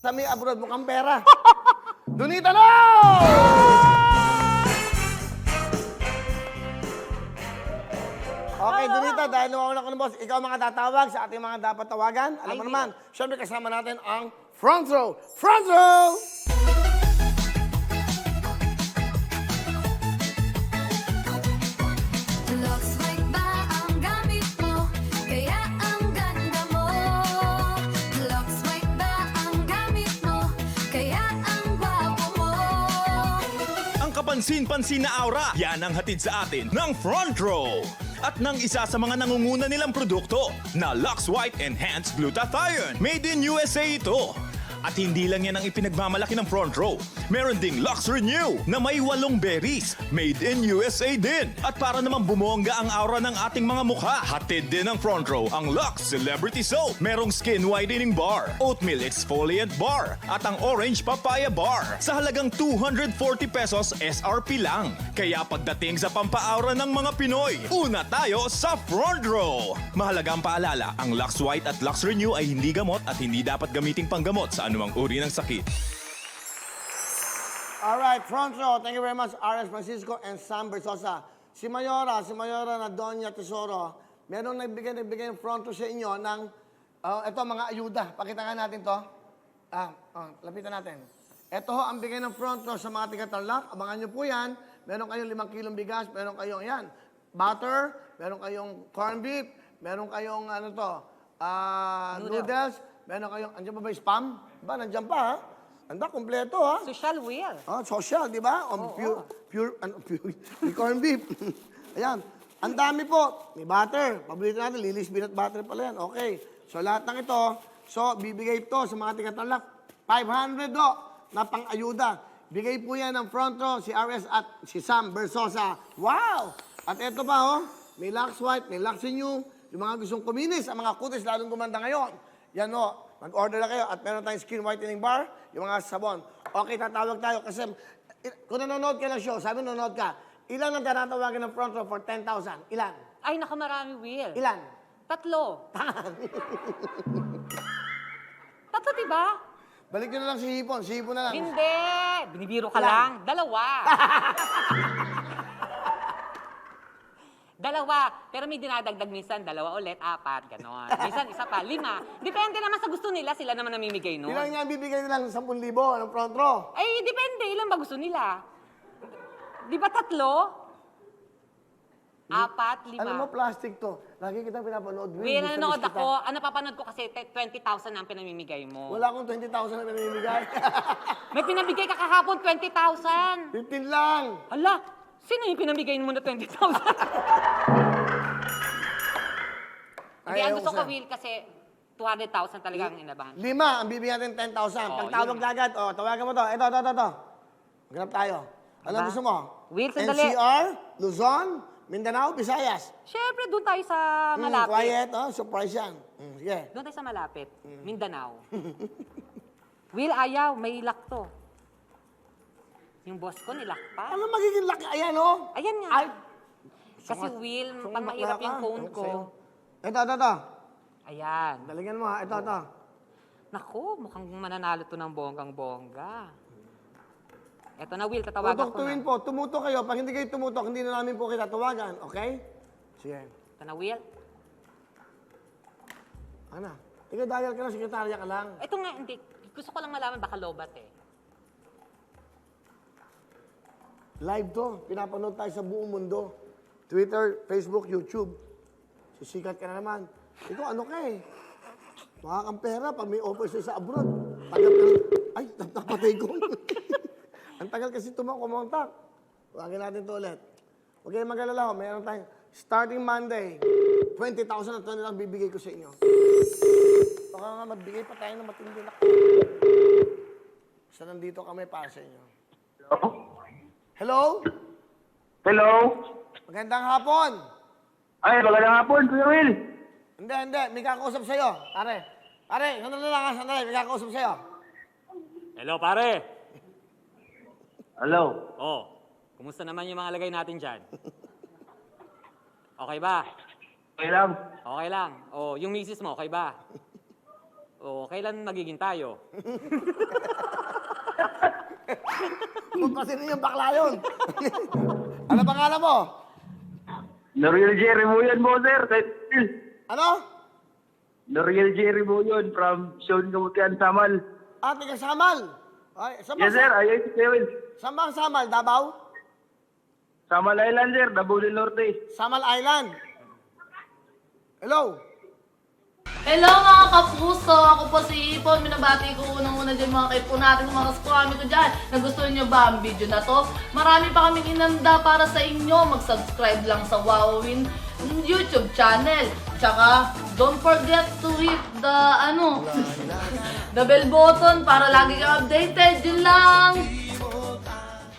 Sa may abroad, mukhang pera. Donita, no! Okay, Donita, dahil nawawalan ko ng boss, ikaw mga tatawag sa ating mga dapat tawagan. Alam mo naman, syempre kasama natin ang front row. Front row! Looks like ba ang gamit mo? Kaya ang ganda mo. Looks like ba ang gamit mo? Kaya ang gwapo mo. Ang kapansin-pansin na aura, yan ang hatid sa atin ng Front Row. At ng isa sa mga nangunguna nilang produkto na Lux White Enhanced Glutathione. Made in USA ito. At hindi lang yan ang ipinagmamalaki ng Front Row. Meron ding Lux Renew na may 8 berries. Made in USA din. At para naman bumongga ang aura ng ating mga mukha, hatid din ng Front Row ang Lux Celebrity Soap. Merong Skin Whitening Bar, Oatmeal Exfoliant Bar, at ang Orange Papaya Bar. Sa halagang 240 pesos SRP lang. Kaya pagdating sa pampaaura ng mga Pinoy, una tayo sa Front Row. Mahalaga ang paalala, ang Lux White at Lux Renew ay hindi gamot at hindi dapat gamiting panggamot sa anumang uri ng sakit. Alright, front row. Thank you very much, R.S. Francisco and Sam Bersosa. Si Mayora na Doña Tesoro, merong nagbigay ng front row sa inyo ng, ito mga ayuda. Pakita nga natin to. Lapitan natin. Ito ho ang bigay ng front row sa mga tiga-Tarlac. Abangan nyo po yan. Meron kayong 5 kilong bigas, meron kayong yan, butter, meron kayong corned beef, meron kayong noodles, meron kayong, andyan pa ba yung spam? Ba, nandyan pa ha? Anda, kompleto ha? Social will. Social, di ba? May corned beef. Ayan. Ang dami po. May butter. Paborito natin, Lily's peanut butter pala yan. Okay. So, lahat ng ito, bibigay ito sa mga tiga-Tarlac. 500 do na pang-ayuda. Bigay po yan ng front row, si RS at si Sam Bersosa. Wow! At ito pa, may Lux White, may Lux Renew. Yung mga gustong kuminis, ang mga kutis lalong gumanda ngayon. Yan mag-order na kayo at meron tayong skin whitening bar, yung mga sabon. Okay, tatawag tayo kasi kung nanonood ka ng show, sabi nanonood ka, ilan ang tinatawagan ng front row for 10,000? Ilan? Ay, nakamarami, Will. Ilan? 3. Tatlo, diba? Balik nyo na lang si Hipon. Si Hipon na lang. Hindi. Binibiro ka Ilan? lang. 2. 2. Pero may dinadagdag minsan, 2 ulit, 4, ganon. Minsan, 1 pa, 5. Depende naman sa gusto nila, sila naman namimigay nun. Ilan nga bibigay nila ng 10,000 ng front row? Ay, depende. Ilan ba gusto nila? Di ba 3? 4, 5. Alam mo, plastic to. Lagi kitang pinapanood. Will, nanonood ako. Ang napapanood ko kasi 20,000 ang pinamimigay mo. Wala akong 20,000 na pinamimigay. May pinabigay ka kahapon, 20,000. 15 lang. Hala, sino yung pinamigay mo na 20,000? Hindi, ang gusto ko, Will, kasi 200,000 talaga ang inabahan. 5, ang bibigyan natin 10,000. Pagtawag yun. agad, tawagan mo to. Ito. Maghanap tayo. Ano Diba? gusto mo? Will, sandali. NCR, Luzon, Mindanao, Visayas. Siyempre, doon tayo sa malapit. Quiet, surprise yan. Sige. Doon tayo sa malapit. Mindanao. Will, ayaw. May ilak to. Yung boss ko, nilak pa. Ano magiging laki? Ayan, Ayan nga. Ay, Kasi Will, sumakit pag mahirap ka. yung phone Ano ko. sa'yo? Ito. Ayan. Daligan mo ha. Ito. Naku, mukhang mananalo to ng bonggang-bongga. Eto na, Will, tatawagan ko Tutuktuin na. po. Tumutok kayo. Pag hindi kayo tumutok, hindi na namin po kita tawagan. Okay? Sige. Eto na, Will. Ano? Ikaw dial ka lang, sekretarya ka lang. Ito nga, hindi. Gusto ko lang malaman, baka lobat eh. Live to. Pinapanood tayo sa buong mundo. Twitter, Facebook, YouTube. Sisikat ka na naman. Ikaw, ano ka eh? Makakampera pag may offer sa'yo sa abroad. Tagal ka lang. Ay, napatay ko. Ang tagal kasi kumontak. Huwagin natin ito ulit. Huwag kayong mag-alala ho. Mayroon tayong starting Monday. 20,000 na ito nilang bibigay ko sa inyo. Baka nga magbigay pa tayo ng matindi na. Basta nandito kami para sa inyo. Hello? Hello? Magandang hapon. Ay, magandang hapon, Kuya Will. Hindi. May kakausap sa'yo. Pare, sandali lang ha, sandali. May kakausap sa'yo. Hello, pare. Hello? Oh, kumusta naman yung mga lagay natin dyan? Okay ba? Okay lang. Okay lang. Oh, yung misis mo, okay ba? O kailan magiging tayo? Kung kasi rin yung bakla yun. Ano pangalan mo? Noriel Jerry mo yun mo, sir. Ano? Noriel Jerry mo yun from Sean Gamutian, Samal. Ah, tiga Samal. Ay, saan ba, Yes, sir. Ayun si Kuya Will. saan ba ang Samal? Davao? Samal Island, sir. Davao del Norte. Samal Island. Hello? Hello mga kapuso! Ako po si Ipon. Minabati ko unang-una dyan mga kaipo natin, mga kaskwami ko dyan. Nagustuhan nyo ba ang video na to? Marami pa kaming inanda para sa inyo. Mag-subscribe lang sa Wowin YouTube channel. Tsaka, don't forget to hit the, the bell button para lagi kang updated. Yun lang!